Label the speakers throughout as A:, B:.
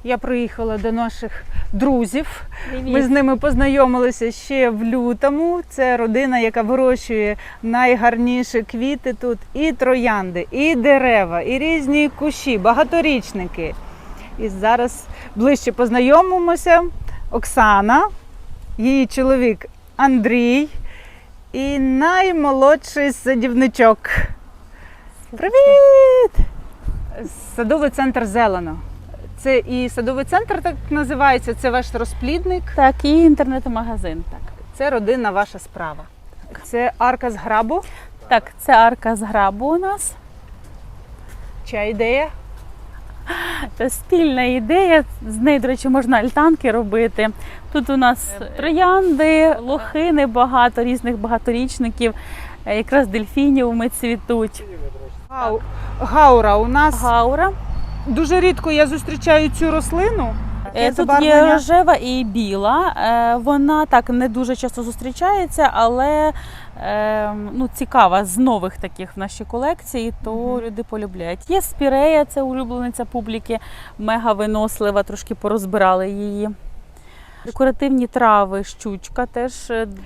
A: Я приїхала до наших друзів.
B: Привіт.
A: Ми з ними познайомилися ще в лютому. Це родина, яка вирощує найгарніші квіти тут. І троянди, і дерева, і різні кущі, багаторічники. І зараз ближче познайомимося. Оксана, її чоловік Андрій і наймолодший садівничок. Привіт! Садовий центр «Зелено». Це і садовий центр так називається, це ваш розплідник.
B: Так, і інтернет-магазин. Так.
A: Це родинна ваша справа. Це арка з грабу.
B: Так, це арка з грабу у нас.
A: Чия ідея?
B: Це спільна ідея. З неї, до речі, можна альтанки робити. Тут у нас троянди, лохини багато, різних багаторічників. Якраз дельфініуми цвітуть.
A: Гаура у нас.
B: Гаура.
A: Дуже рідко я зустрічаю цю рослину. Яке
B: Тут
A: забарвлення?
B: є рожева і біла. Вона так не дуже часто зустрічається, але цікава з нових таких в нашій колекції, то люди полюбляють. Є спірея, це улюблениця публіки, мега винослива, трошки порозбирали її. Декоративні трави, щучка теж.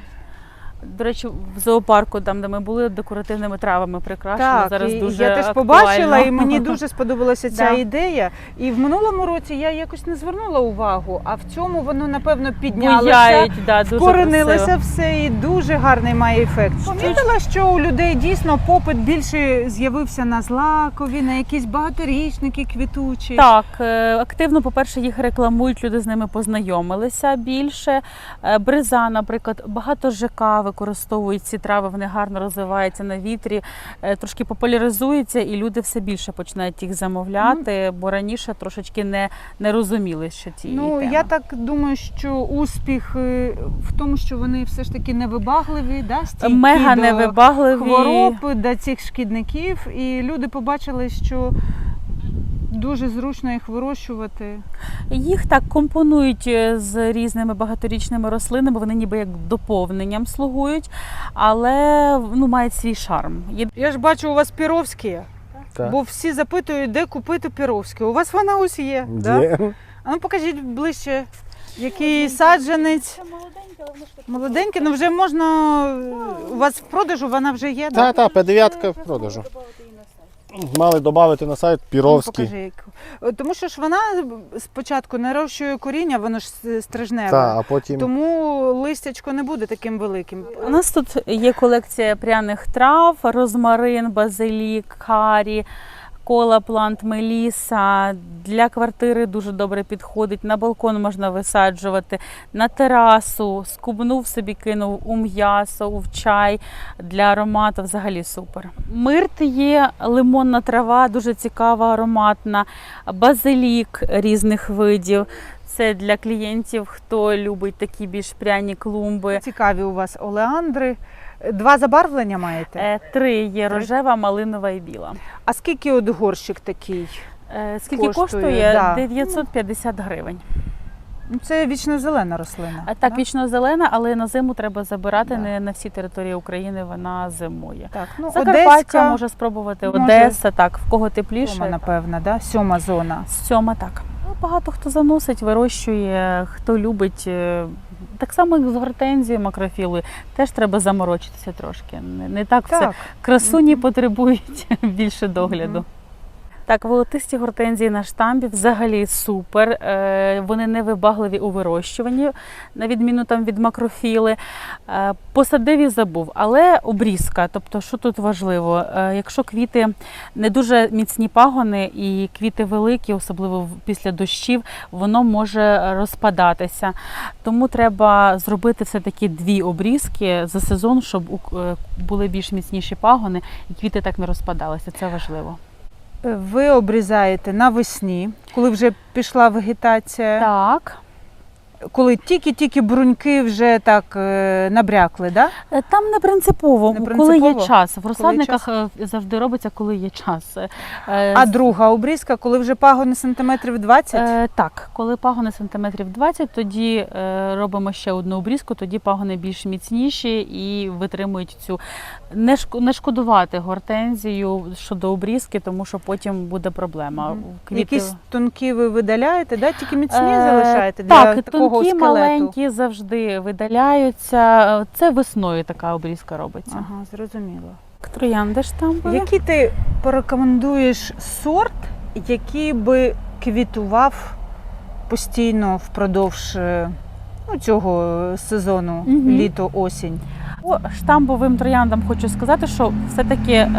B: До речі, в зоопарку, там, де ми були, декоративними травами прикрашено.
A: Так,
B: зараз
A: і
B: дуже
A: я теж
B: актуально.
A: побачила, і мені дуже сподобалася ця
B: Да.
A: ідея. І в минулому році я якось не звернула увагу, а в цьому воно, напевно, піднялося,
B: Буяють, да, дуже
A: вкоренилося
B: красиво.
A: все і дуже гарний має ефект. Помітила, що у людей дійсно попит більше з'явився на злакові, на якісь багаторічники квітучі.
B: Так, активно, по-перше, їх рекламують, люди з ними познайомилися більше. Бриза, наприклад, багато ЖК використовують ці трави, вони гарно розвиваються на вітрі, трошки популяризуються і люди все більше починають їх замовляти, бо раніше трошечки не розуміли, що цієї теми.
A: Я так думаю, що успіх в тому, що вони все ж таки невибагливі, да, стійкі
B: Мега
A: до
B: невибагливі.
A: хвороб, до цих шкідників, і люди побачили, що дуже зручно їх вирощувати.
B: Їх так компонують з різними багаторічними рослинами, вони ніби як доповненням слугують, але мають свій шарм.
A: Я ж бачу, у вас піровські,
C: Так.
A: бо всі запитують, де купити піровські. У вас вона ось є, да?
C: Є.
A: А ну покажіть ближче, який саджанець. Молоденький, ну вже можна, у вас в продажу вона вже є, так?
C: Та, П9 в продажу. Мали додати на сайт Піровський.
A: Покажи, яку. Тому що ж вона спочатку нарощує коріння, воно ж стрижневе.
C: Та, а потім
A: Тому листячко не буде таким великим.
B: У нас тут є колекція пряних трав, розмарин, базилік, карі, кола, плант, меліса. Для квартири дуже добре підходить, на балкон можна висаджувати, на терасу, скубнув собі, кинув у м'ясо, у чай, для аромату взагалі супер. Мирт є, лимонна трава, дуже цікава, ароматна, базилік різних видів. Це для клієнтів, хто любить такі більш пряні клумби.
A: Цікаві у вас олеандри. 2 забарвлення маєте?
B: 3 є: рожева, малинова і біла.
A: А скільки от горщик такий?
B: Скільки
A: Коштує,
B: коштує?
A: да.
B: 950 гривень.
A: Ну, це вічно-зелена рослина.
B: Так,
A: да?
B: вічно-зелена, але на зиму треба забирати,
A: Да.
B: не на всій території України вона зимує.
A: Так,
B: Закарпаття
A: Одеська,
B: може спробувати,
A: може.
B: Одеса, так, в кого тепліше.
A: 7, напевно, да? 7 зона.
B: 7, так. Багато хто заносить, вирощує, хто любить. Так само, як з гортензією, макрофілою, теж треба заморочитися трошки. Не так все.
A: Так.
B: Красуні потребують більше догляду. Так, волотисті гортензії на штамбі взагалі супер. Вони невибагливі у вирощуванні, на відміну там від макрофіли. Посадив і забув, але обрізка. Тобто, що тут важливо? Якщо квіти не дуже міцні пагони і квіти великі, особливо після дощів, воно може розпадатися. Тому треба зробити все-таки 2 обрізки за сезон, щоб були більш міцніші пагони і квіти так не розпадалися. Це важливо.
A: Ви обрізаєте навесні, коли вже пішла вегетація.
B: Так.
A: коли тільки-тільки бруньки вже так набрякли, да?
B: Там не принципово,
A: Не
B: коли
A: принципово?
B: є час. В
A: Коли є
B: розсадниках завжди робиться, коли є час.
A: А друга обрізка, коли вже пагони сантиметрів 20?
B: Так, коли пагони сантиметрів 20, тоді робимо ще одну обрізку, тоді пагони більш міцніші і витримують цю. Не шкодувати гортензію щодо обрізки, тому що потім буде проблема.
A: Якісь тонкі ви видаляєте, да? Тільки міцні залишаєте для
B: так,
A: такого
B: тонкі,
A: скелету?
B: маленькі завжди видаляються. Це весною така обрізка робиться.
A: Ага, зрозуміло.
B: Троянди штампові.
A: Який ти порекомендуєш сорт, який би квітував постійно впродовж цього сезону,
B: Мгм.
A: літо-осінь?
B: По штамбовим трояндам хочу сказати, що все-таки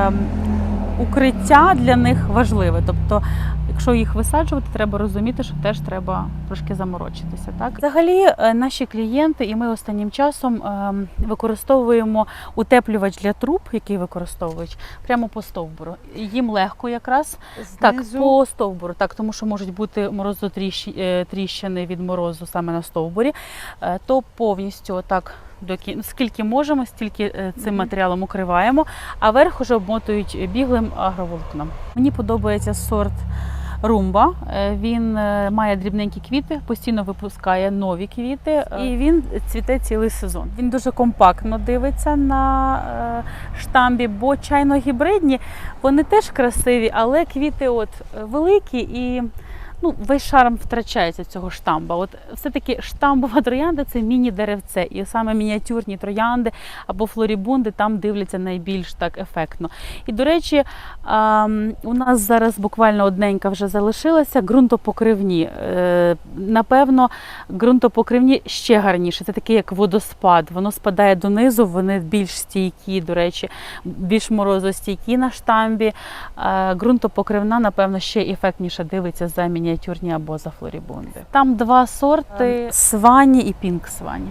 B: укриття для них важливе. Тобто, якщо їх висаджувати, треба розуміти, що теж треба трошки заморочитися. Так? Взагалі, наші клієнти і ми останнім часом використовуємо утеплювач для труб, який використовують прямо по стовбуру. Їм легко якраз так, по стовбуру, так, тому що можуть бути морозотріщини від морозу саме на стовбурі, то повністю так. Скільки можемо, стільки цим матеріалом укриваємо, а верх уже обмотують біглим агроволокном. Мені подобається сорт Румба. Він має дрібненькі квіти, постійно випускає нові квіти і він цвіте цілий сезон. Він дуже компактно дивиться на штамбі, бо чайно-гібридні, вони теж красиві, але квіти великі і весь шарм втрачається цього штамба. От все-таки штамбова троянда – це міні-деревце. І саме мініатюрні троянди або флорібунди там дивляться найбільш так ефектно. І, до речі, у нас зараз буквально одненька вже залишилася, ґрунтопокривні. Напевно, ґрунтопокривні ще гарніше. Це таке, як водоспад. Воно спадає донизу, вони більш стійкі, до речі, більш морозостійкі на штамбі. Ґрунтопокривна, напевно, ще ефектніше дивиться за мініатюрні або за флорібунди. Там два сорти – Свані і Пінк Свані.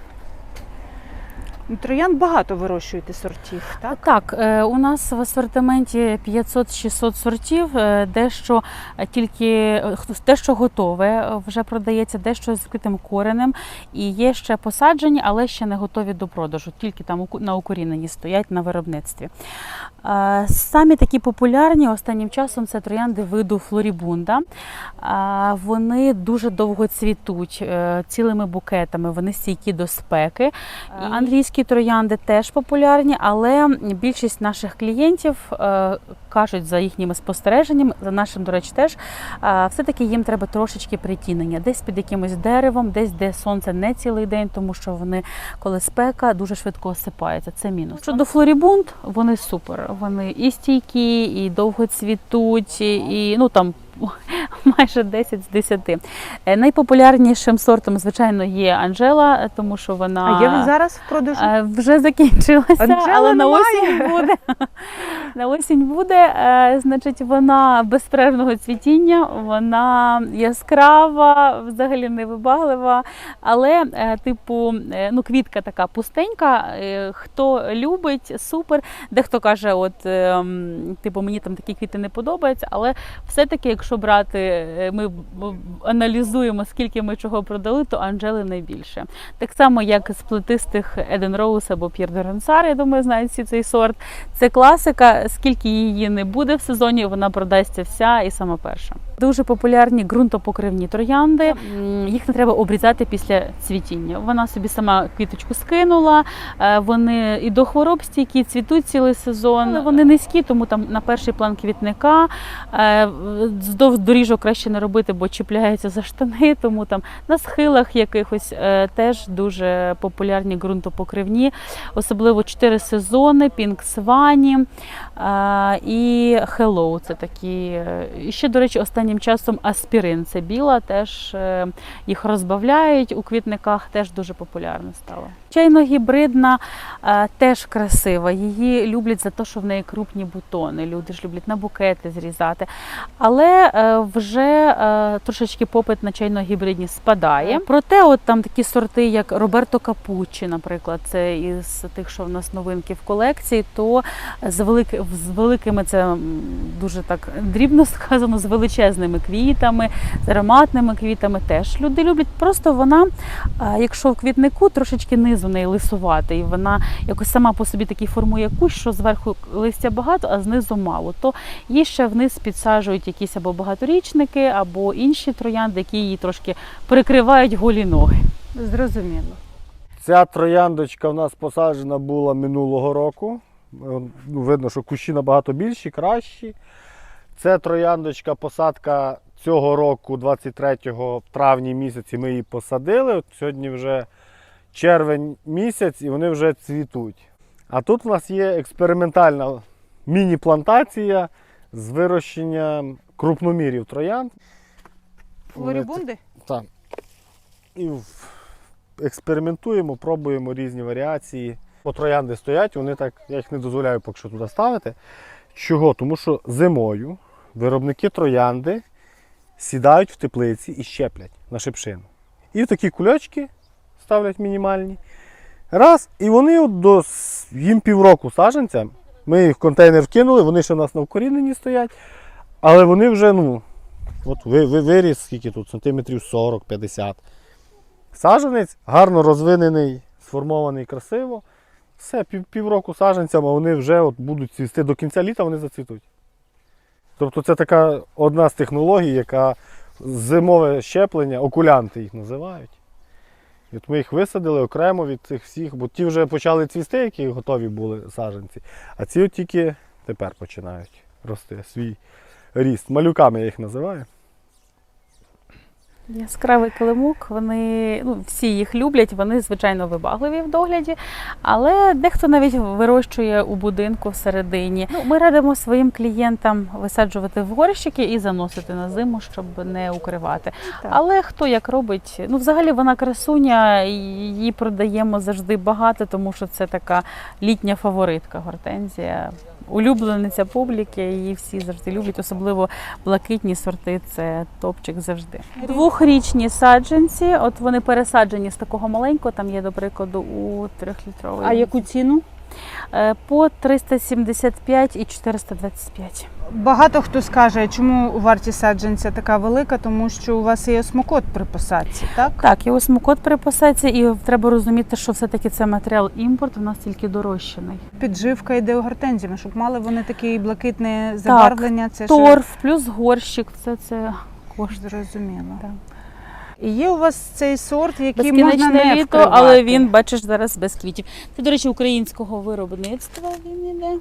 A: Троянд багато вирощуєте сортів, так?
B: Так, у нас в асортименті 500-600 сортів, дещо готове вже продається, дещо з відкритим коренем. І є ще посаджені, але ще не готові до продажу, тільки там на укоріненні стоять на виробництві. Самі такі популярні останнім часом це троянди виду флорібунда. Вони дуже довго цвітуть цілими букетами, вони стійкі до спеки. Англійські троянди теж популярні, але більшість наших клієнтів кажуть за їхніми спостереженнями, за нашим, до речі, теж, все-таки їм треба трошечки притінення. Десь під якимось деревом, десь де сонце не цілий день, тому що вони, коли спека, дуже швидко осипаються. Це мінус. Щодо флорібунд, вони супер. Вони і стійкі, і довго цвітуть, і там майже 10 з 10. Найпопулярнішим сортом, звичайно, є Анжела, тому що вона...
A: А є він зараз в продажу?
B: Вже закінчилася,
A: Анжели
B: але на
A: немає.
B: осінь буде. На осінь буде, значить, вона безперервного цвітіння, вона яскрава, взагалі невибаглива, але, квітка така пустенька, хто любить, супер. Дехто каже, мені там такі квіти не подобаються, але все-таки, якщо брати, ми аналізуємо, скільки ми чого продали, то Анжели найбільше. Так само, як з плетистих Eden Rose або Pierre de Ronsard, я думаю, знають всі цей сорт. Це класика, скільки її не буде в сезоні, вона продасться вся і сама перша. Дуже популярні ґрунтопокривні троянди. Їх не треба обрізати після цвітіння. Вона собі сама квіточку скинула, вони і до хвороб стійкі, цвітуть цілий сезон. Але вони низькі, тому там на перший план квітника. Вздовж доріжок краще не робити, бо чіпляються за штани, тому там на схилах якихось теж дуже популярні ґрунтопокривні. Особливо 4 сезони, Пінк Свані і Hello. Це такі. І ще, до речі, останнім часом аспірин. Це біла, теж їх розбавляють у квітниках, теж дуже популярно стало. Чайно-гібридна теж красива. Її люблять за те, що в неї крупні бутони. Люди ж люблять на букети зрізати. Але Але вже трошечки попит на чайно-гібридні спадає. Проте от там такі сорти, як Роберто Капуччі, наприклад, це із тих, що в нас новинки в колекції, то з великими, це дуже так дрібно сказано, з величезними квітами, з ароматними квітами теж люди люблять. Просто вона, якщо в квітнику, трошечки низу неї лисувати, і вона якось сама по собі такий формує кущ, що зверху листя багато, а знизу мало, то їй ще вниз підсаджують якісь або багаторічники, або інші троянди, які її трошки прикривають голі ноги.
A: Зрозуміло.
C: Ця трояндочка в нас посаджена була минулого року. Ну, видно, що кущі набагато більші, кращі. Це трояндочка, посадка цього року, 23-го, в травні місяці ми її посадили. От сьогодні вже червень місяць і вони вже цвітуть. А тут у нас є експериментальна міні-плантація з вирощенням крупномірів троянд.
A: Флорібунди?
C: Так. І експериментуємо, пробуємо різні варіації. Бо троянди стоять, вони так, я їх не дозволяю поки що туди ставити. Чого? Тому що зимою виробники троянди сідають в теплиці і щеплять на шипшину. І в такі кульочки ставлять мінімальні. Раз, і вони їм півроку саджанцям. Ми їх в контейнер вкинули, вони ще у нас на вкоріненні стоять. Але вони вже, от виріс, скільки тут, сантиметрів 40-50. Саджанець гарно розвинений, сформований красиво. Все, півроку саджанцям, а вони вже будуть цвісти до кінця літа, вони зацвітуть. Тобто це така одна з технологій, яка зимове щеплення, окулянти їх називають. І от ми їх висадили окремо від цих всіх, бо ті вже почали цвісти, які готові були саджанці, а ці от тільки тепер починають рости свій ріст. Малюками я їх називаю.
B: Яскравий килимок, вони, всі їх люблять, вони, звичайно, вибагливі в догляді, але дехто навіть вирощує у будинку всередині. Ми радимо своїм клієнтам висаджувати в горщики і заносити на зиму, щоб не укривати.
A: Так.
B: Але хто як робить, взагалі вона красуня, її продаємо завжди багато, тому що це така літня фаворитка гортензія. Улюблениця публіки, її всі завжди люблять, особливо блакитні сорти, це топчик завжди. Двохрічні саджанці, от вони пересаджені з такого маленького, там є, до прикладу, у 3-літровий.
A: А яку ціну?
B: По 375 і 425.
A: Багато хто скаже, чому вартість саджанця така велика, тому що у вас є осмокот при посадці, так?
B: Так, і осмокот при посадці, і треба розуміти, що все-таки це матеріал імпорт, у нас тільки дорощений.
A: Підживка йде у гортензіями, щоб мали вони таке блакитне забарвлення. Це
B: торф плюс горщик, все це коштує.
A: Зрозуміло.
B: Так.
A: І є у вас цей сорт, який можна
B: Безкінечне
A: не
B: літо,
A: вкривати.
B: але він, бачиш, зараз без квітів. Це, до речі, українського виробництва він іде.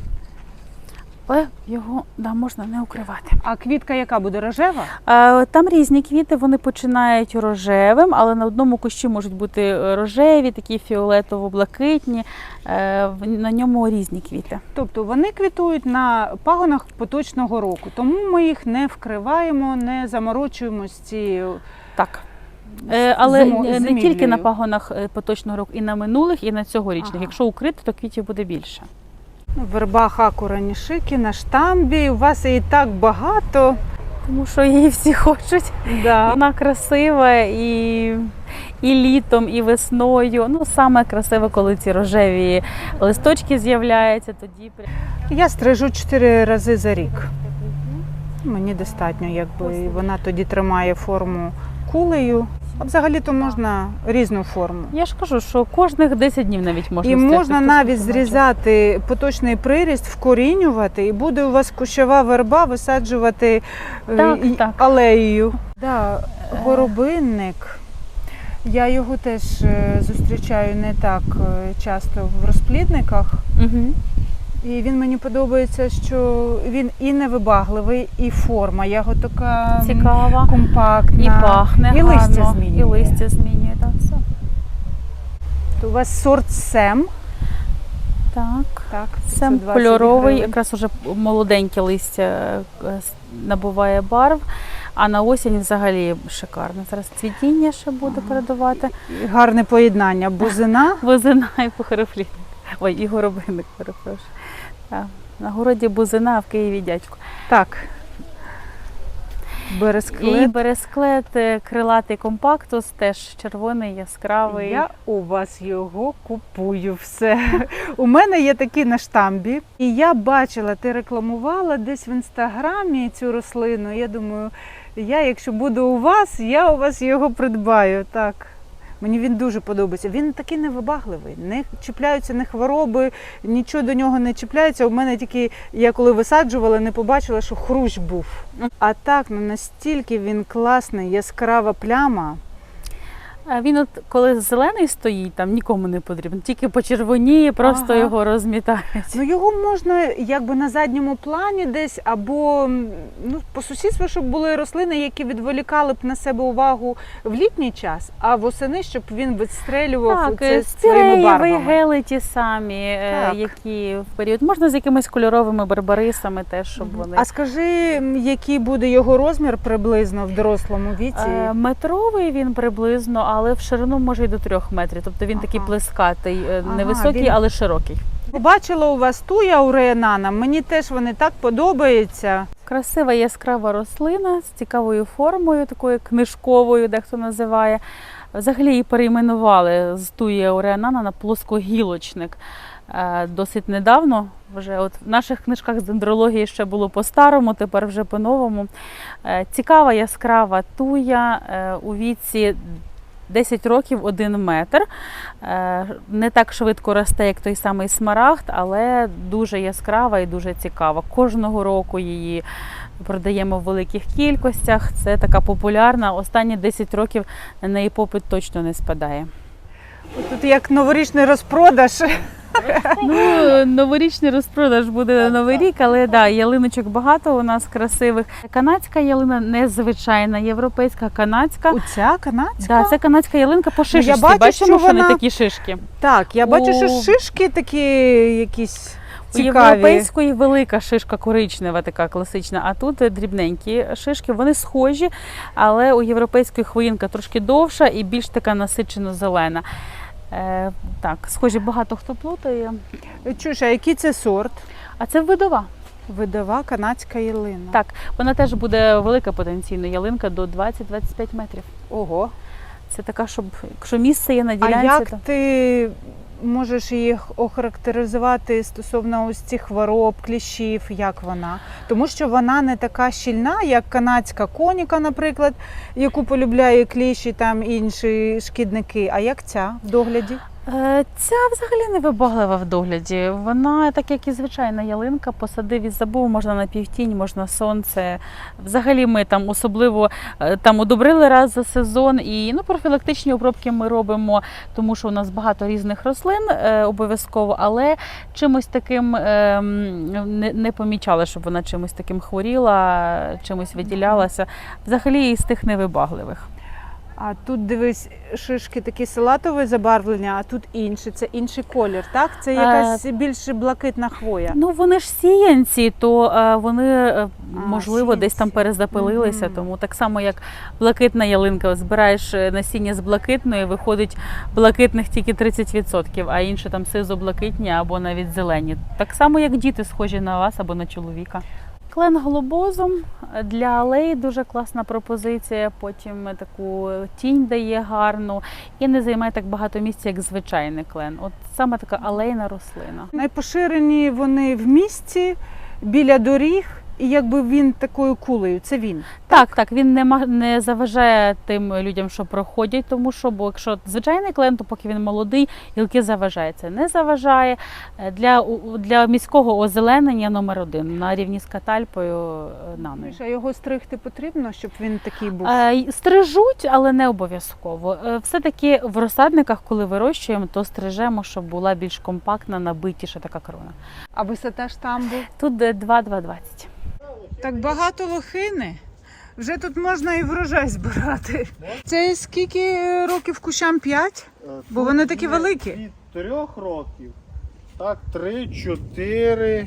B: Але його можна не укривати.
A: А квітка яка буде, рожева?
B: Там різні квіти, вони починають рожевим, але на одному кущі можуть бути рожеві, такі фіолетово-блакитні, на ньому різні квіти.
A: Тобто вони квітують на пагонах поточного року, тому ми їх не вкриваємо, не заморочуємо з цією.
B: Так. Але не
A: зимівлею.
B: тільки на пагонах поточного року, і на минулих, і на цьогорічних.
A: Ага.
B: Якщо укрити, то квітів буде більше.
A: Верба Хакура Нішики на штамбі, у вас її так багато.
B: Тому що її всі хочуть.
A: Да.
B: Вона красива і літом, і весною. Саме красиво, коли ці рожеві листочки з'являються, тоді
A: Я стрижу 4 рази за рік. Мені достатньо, якби вона тоді тримає форму кулею. А взагалі-то можна різну форму.
B: Я ж кажу, що кожних 10 днів навіть можна
A: І
B: стригти.
A: можна навіть зрізати поточний приріст, вкорінювати, і буде у вас кущова верба висаджувати
B: Так.
A: алеєю. Да, горобинник. Я його теж зустрічаю не так часто в розплідниках.
B: Угу.
A: І він мені подобається, що він і невибагливий, і форма його така
B: Цікава,
A: компактна.
B: і пахне
A: і листя
B: гарно,
A: змінює.
B: і листя змінює. Так, все.
A: У вас сорт Сем.
B: Так.
A: Так,
B: Сем
A: 520
B: кольоровий,
A: гривень.
B: якраз уже молоденьке листя набуває барв, а на осінь взагалі шикарно. Зараз цвітіння ще буде передавати.
A: Гарне поєднання. Бузина.
B: Бузина і похороплінник. Ой, і горобинник, перепрошую. Так. На городі бузина, а в Києві дядько.
A: Так. Бересклет.
B: І бересклет крилатий компактус, теж червоний, яскравий.
A: Я у вас його купую все. У мене є такі на штамбі. І я бачила, ти рекламувала десь в інстаграмі цю рослину. Я думаю, якщо буду у вас, я у вас його придбаю. Так. Мені він дуже подобається. Він такий невибагливий, не чіпляються не хвороби, нічого до нього не чіпляється. У мене тільки, я коли висаджувала, не побачила, що хрущ був. А так, настільки він класний, яскрава пляма.
B: Він от коли зелений стоїть, там нікому не потрібен, тільки почервоніє, просто його розмітають.
A: Ну його можна якби на задньому плані десь, або по сусідству, щоб були рослини, які відволікали б на себе увагу в літній час, а восени, щоб він відстрелював це своїми барвами.
B: Гели ті самі, які в період. Можна з якимись кольоровими барбарисами теж, щоб вони.
A: А скажи, який буде його розмір приблизно в дорослому віці?
B: Метровий він приблизно, але в ширину може й до 3 метрів. Тобто він такий плескатий, невисокий, але широкий.
A: Побачила у вас туя уреанана, мені теж вони так подобаються.
B: Красива яскрава рослина з цікавою формою, такою книжковою, дехто називає. Взагалі її перейменували з туї уреанана на плоскогілочник. Досить недавно, вже от в наших книжках з дендрології ще було по-старому, тепер вже по-новому. Цікава яскрава туя у віці 10 років 1 метр. Не так швидко росте, як той самий смарагд, але дуже яскрава і дуже цікава. Кожного року її продаємо в великих кількостях. Це така популярна. Останні 10 років на неї попит точно не спадає.
A: Тут як новорічний розпродаж.
B: Новорічний розпродаж буде на Новий рік, але ялиночок багато у нас красивих. Канадська ялина незвичайна, європейська, канадська.
A: Оця канадська?
B: Це канадська ялинка по шишечці.
A: Я бачу,
B: бачимо, що
A: вона...
B: вони такі шишки.
A: Так, я бачу, що шишки такі якісь цікаві.
B: У європейської велика шишка коричнева, така класична, а тут дрібненькі шишки. Вони схожі, але у європейської хвоїнка трошки довша і більш така насичено зелена. Так, схожі, багато хто плутає.
A: Чуєш, а який це сорт?
B: А це видова.
A: Видова канадська ялина.
B: Так, вона теж буде велика потенційно ялинка до 20-25 метрів.
A: Ого.
B: Це така, щоб, якщо місце є на ділянці.
A: А як ти можеш їх охарактеризувати стосовно ось цих хвороб, кліщів, як вона? Тому що вона не така щільна, як канадська коніка, наприклад, яку полюбляє кліщі, там інші шкідники. А як ця в догляді?
B: Ця взагалі не вибаглива в догляді. Вона, так як і звичайна ялинка, посадив і забув, можна на півтінь, можна сонце. Взагалі ми там особливо удобрили раз за сезон і профілактичні обробки ми робимо, тому що у нас багато різних рослин обов'язково, але чимось таким не помічали, щоб вона чимось таким хворіла, чимось виділялася. Взагалі із тих невибагливих.
A: А тут, дивись, шишки такі салатове забарвлення, а тут інше, це інший колір, так? Це якась більш блакитна хвоя.
B: Вони ж сіянці, то вони, можливо, десь там перезапилилися, тому так само, як блакитна ялинка, збираєш насіння з блакитної, виходить блакитних тільки 30%, а інші там сизо-блакитні або навіть зелені. Так само, як діти схожі на вас або на чоловіка. Клен глобозум для алеї дуже класна пропозиція, потім таку тінь дає гарну і не займає так багато місця, як звичайний клен. От саме така алейна рослина.
A: Найпоширені вони в місті, біля доріг, і якби він такою кулею, це він.
B: Так, він не заважає тим людям, що проходять, тому що, бо якщо звичайний клен, то поки він молодий, гілки заважає. Це не заважає. Для міського озеленення номер 1 на рівні з катальпою нано.
A: А його стригти потрібно, щоб він такий був?
B: Стрижуть, але не обов'язково. Все-таки в розсадниках, коли вирощуємо, то стрижемо, щоб була більш компактна, набитіша така крона.
A: А висота штамбу?
B: Тут 2,20.
A: Так багато лохини. Вже тут можна і врожай збирати. Це скільки років кущам? 5? Бо вони такі великі.
C: Від 3 років. Так, 3, 4,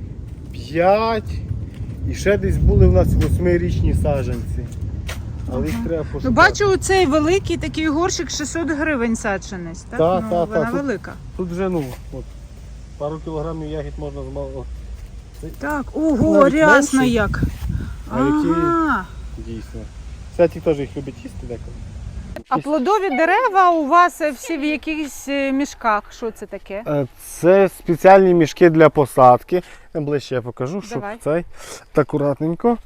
C: 5. І ще десь були в нас 8-річні саджанці. Але їх треба пошукати.
A: Бачу, цей великий такий горщик 600 гривень саджанець. Так? Вона велика.
C: Тут вже пару кілограмів ягід можна змалити.
A: Так, ого, рясно як.
C: А який дійсно. Святік теж їх любить їсти деколи.
A: А плодові дерева у вас всі в якихось мішках. Що це таке?
C: Це спеціальні мішки для посадки. Ближче я покажу, щоб
A: Давай.
C: цей так акуратненько.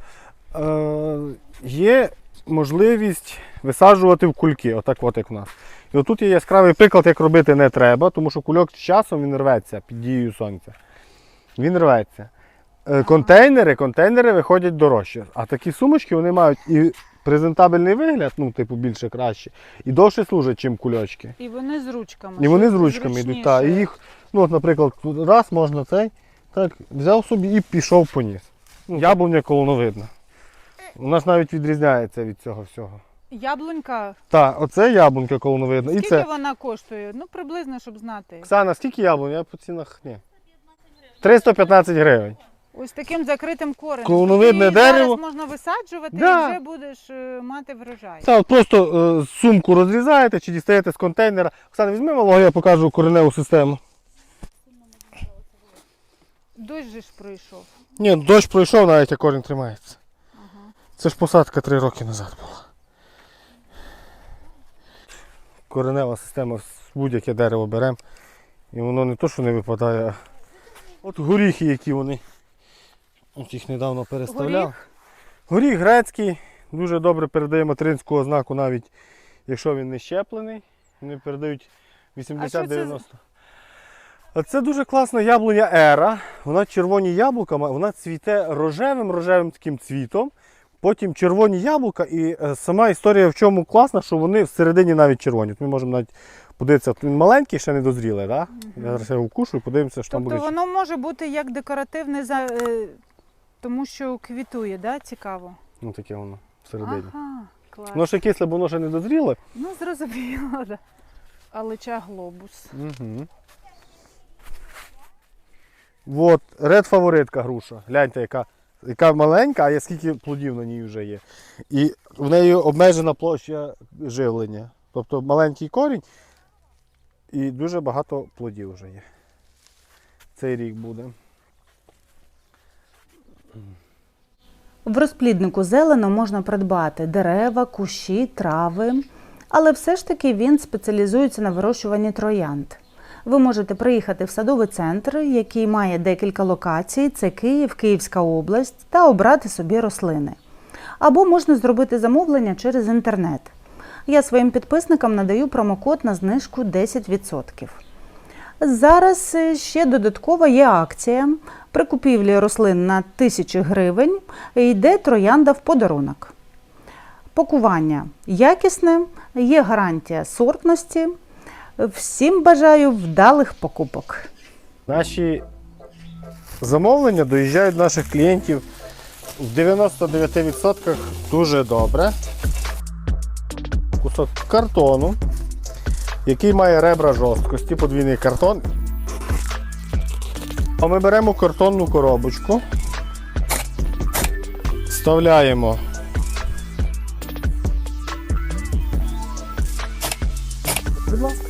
C: Є можливість висаджувати в кульки, отак от як в нас. І отут є яскравий приклад, як робити не треба, тому що кульок з часом він рветься під дією сонця. Він рветься. Контейнери виходять дорожче. А такі сумочки вони мають і презентабельний вигляд, ну, типу, більше краще, і довше служать, ніж кульочки.
A: І вони з ручками.
C: І вони з
A: щоб
C: ручками йдуть.
A: зручніше.
C: Та, і їх, ну, от, наприклад, раз можна цей, так, взяв собі і пішов поніс. Яблуня колоновидна. Вона ж навіть відрізняється від цього всього.
A: Яблунька.
C: Так, оце яблунька колоновидна. І
A: Скільки
C: це.
A: вона коштує? Ну, приблизно, щоб знати.
C: Оксана, скільки яблунь? Я по цінах ні. 315 гривень.
A: Ось таким закритим коренем.
C: Колоновидне
A: І
C: дерево.
A: зараз можна висаджувати
C: Да.
A: і вже будеш мати врожай.
C: Та, от просто сумку розрізаєте чи дістаєте з контейнера. Оксана, візьми малого, я покажу кореневу систему.
A: Дощ же ж пройшов.
C: Ні, дощ пройшов, навіть а корінь тримається. Це ж посадка 3 роки назад була. Коренева система, будь-яке дерево беремо. І воно не то, що не випадає, а от горіхи, які вони. От їх недавно переставляв. Горіх грецький, дуже добре передає материнську ознаку, навіть якщо він не щеплений. Вони передають 80-90. А це дуже класна яблуня Ера. Вона червоні яблука, вона цвіте рожевим таким цвітом. Потім червоні яблука, і сама історія в чому класна, що вони всередині навіть червоні. От ми можемо навіть подивитися, він маленький, ще не дозрілий, так? Я зараз його вкушу і подивимося, що там
A: Тобто
C: буде.
A: воно може бути як декоративне, тому що квітує, да? Цікаво.
C: Ну таке воно всередині.
A: Ага, клас.
C: Воно ще кисле, бо воно ще не дозріле.
A: Ну, зрозуміло, да. Алича глобус.
C: Угу. От, ред фаворитка груша. Гляньте, яка маленька, а скільки плодів на ній вже є. І в неї обмежена площа живлення. Тобто маленький корінь і дуже багато плодів вже є. Цей рік буде.
D: В розпліднику зелено можна придбати дерева, кущі, трави, але все ж таки він спеціалізується на вирощуванні троянд. Ви можете приїхати в садовий центр, який має декілька локацій, це Київ, Київська область, та обрати собі рослини. Або можна зробити замовлення через інтернет. Я своїм підписникам надаю промокод на знижку 10%. Зараз ще додатково є акція. При купівлі рослин на 1000 гривень йде троянда в подарунок. Пакування якісне, є гарантія сортності. Всім бажаю вдалих покупок.
C: Наші замовлення доїжджають до наших клієнтів в 99% дуже добре. Кусок картону, який має ребра жорсткості, подвійний картон. А ми беремо картонну коробочку, вставляємо будь ласка.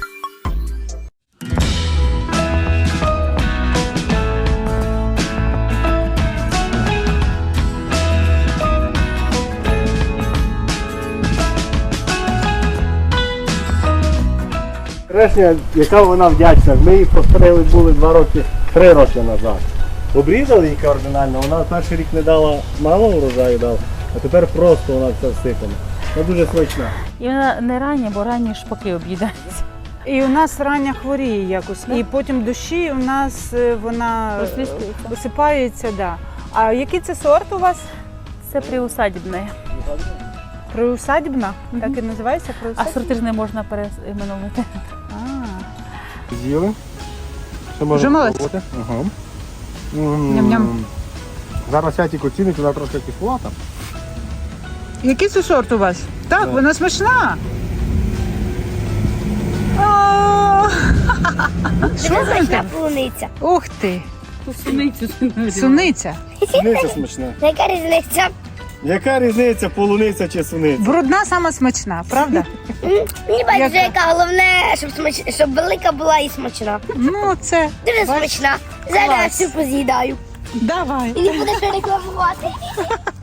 C: Решня, яка вона вдячна. Ми її постригли були 3 роки назад. Обрізали її кардинально, вона перший рік не дала мало урожаю дала, а тепер просто вона вся всипана. Вона дуже смачна.
B: І вона не рання, бо ранні шпаки об'їдаються.
A: І у нас рання хворіє якось. І потім дощі у нас вона
B: Розліскується.
A: висипається. Да. А який це сорт у вас?
B: Це приусадібне.
A: Приусадібна? Так і називається
B: А
A: приусадібна?
B: сорти ж не можна переименувати.
C: З'їли.
A: Вже молодці.
C: Ага.
A: Ням-ням.
C: Зараз Святік оцінить, вона трошки кисловата.
A: Який це сорт у вас? Так,
C: Да.
A: вона смачна. Що
E: Смачна полуниця.
A: Ух ти!
B: Суницю.
A: Суниця.
C: Суниця смачна.
E: Яка різниця?
C: Яка різниця, полуниця чи суниця?
A: Брудна сама смачна, правда?
E: Мені байдуже,
A: Яка?
E: яка головне, щоб велика була і смачна.
A: Ну, це.
E: Дуже
A: Бач,
E: смачна. Зараз я
A: клас.
E: всю поз'їдаю.
A: Давай.
E: І не буде рекламувати.